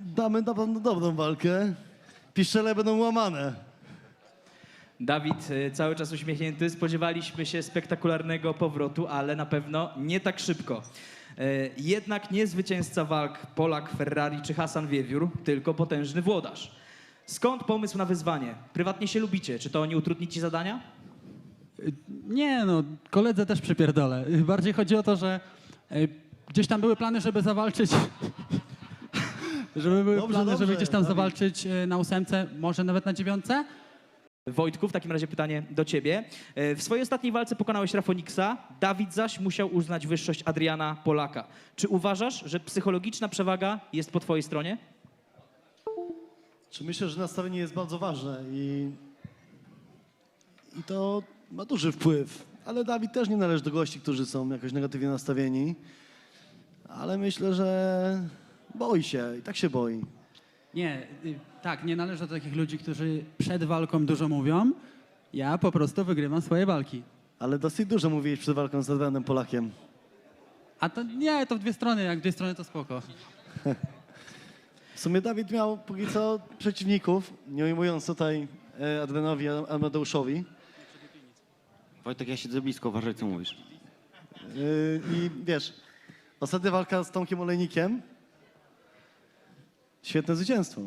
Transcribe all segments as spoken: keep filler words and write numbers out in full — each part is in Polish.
Damy na pewno dobrą walkę. Piszczele będą łamane. Dawid y, cały czas uśmiechnięty. Spodziewaliśmy się spektakularnego powrotu, ale na pewno nie tak szybko. Y, Jednak nie zwycięzca walk Polak, Ferrari czy Hasan Wiewiór, tylko potężny włodarz. Skąd pomysł na wyzwanie? Prywatnie się lubicie. Czy to nie utrudni ci zadania? Nie no, koledze też przypierdolę. Bardziej chodzi o to, że y, gdzieś tam były plany, żeby zawalczyć... żeby były Dobrze, plany, żeby dobrze, gdzieś tam Dawid. zawalczyć y, na ósemce, może nawet na dziewiątce. Wojtku, w takim razie pytanie do ciebie. E, W swojej ostatniej walce pokonałeś Rafoniksa, Dawid zaś musiał uznać wyższość Adriana Polaka. Czy uważasz, że psychologiczna przewaga jest po twojej stronie? Czy myślę, że nastawienie jest bardzo ważne i, i to ma duży wpływ. Ale Dawid też nie należy do gości, którzy są jakoś negatywnie nastawieni. Ale myślę, że boi się i tak się boi. Nie, y, tak, nie należę do takich ludzi, którzy przed walką dużo mówią. Ja po prostu wygrywam swoje walki. Ale dosyć dużo mówiłeś przed walką z Adrianem Polakiem. A to nie, to w dwie strony, jak w dwie strony to spoko. W sumie Dawid miał póki co przeciwników, nie ujmując tutaj e, Adrianowi Amadeuszowi. Wojtek, ja siedzę blisko, uważaj co mówisz. Yy, I wiesz, ostatnia walka z Tomkiem Olejnikiem. Świetne zwycięstwo.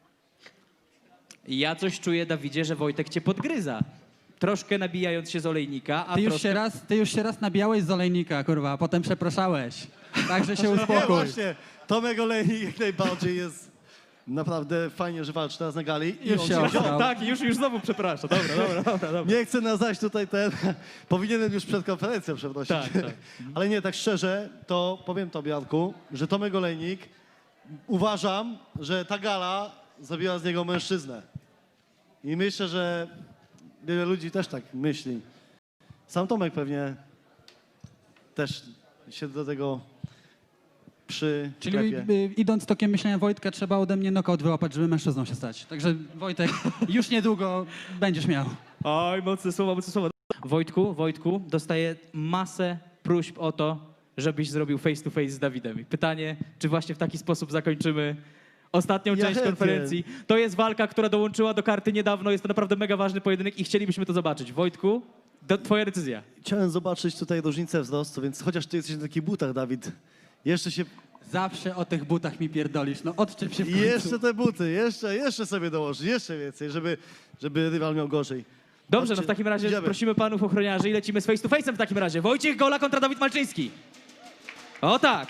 Ja coś czuję, Dawidzie, że Wojtek cię podgryza. Troszkę nabijając się z olejnika, a Ty już, troszkę... się raz, ty już się raz nabijałeś z olejnika, kurwa, a potem przepraszałeś. Także się Nie, uspokój. właśnie, Tomek Olejnik jak najbardziej jest naprawdę fajnie, że walczy teraz na gali. I Już on się się- osrał. Tak, już, już znowu przepraszam. Dobra, dobra, dobra. dobra. Nie chcę nazwać tutaj ten, powinienem już przed konferencją przeprosić. Tak, tak. Ale nie, tak szczerze, to powiem tobie, Janku, że Tomek Olejnik, uważam, że ta gala zrobiła z niego mężczyznę. I myślę, że wiele ludzi też tak myśli. Sam Tomek pewnie też się do tego przy Czyli y, idąc tokiem myślenia Wojtka, trzeba ode mnie knockout wyłapać, żeby mężczyzną się stać. Także Wojtek, już niedługo będziesz miał. Oj, mocne słowa, mocne słowa. Wojtku, Wojtku, dostaję masę próśb o to, żebyś zrobił face to face z Dawidem. I pytanie, czy właśnie w taki sposób zakończymy ostatnią Ja część chętnie. konferencji. To jest walka, która dołączyła do karty niedawno. Jest to naprawdę mega ważny pojedynek i chcielibyśmy to zobaczyć. Wojtku, do, twoja decyzja. Chciałem zobaczyć tutaj różnicę wzrostu, więc chociaż ty jesteś na takich butach, Dawid, jeszcze się... Zawsze o tych butach mi pierdolisz. No odczep się w I końcu. jeszcze te buty, jeszcze, jeszcze sobie dołożyć, jeszcze więcej, żeby, żeby rywal miał gorzej. Dobrze, no Chodźcie, w takim razie idziemy. prosimy panów ochroniarzy i lecimy z face to face'em w takim razie. Wojciech Gola kontra Dawid Malczyński. O tak.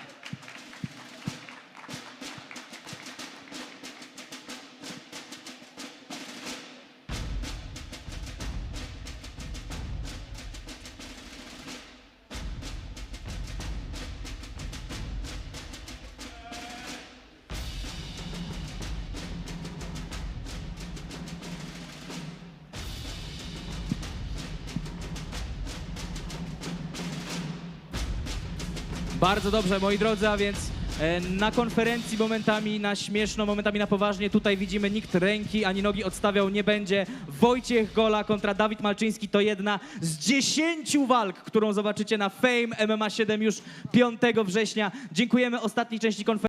Bardzo dobrze, moi drodzy, a więc e, na konferencji momentami na śmieszno, momentami na poważnie. Tutaj widzimy, nikt ręki ani nogi odstawiał nie będzie. Wojciech Gola kontra Dawid Malczyński to jedna z dziesięciu walk, którą zobaczycie na Fame M M A siedem już piątego września. Dziękujemy ostatniej części konferencji.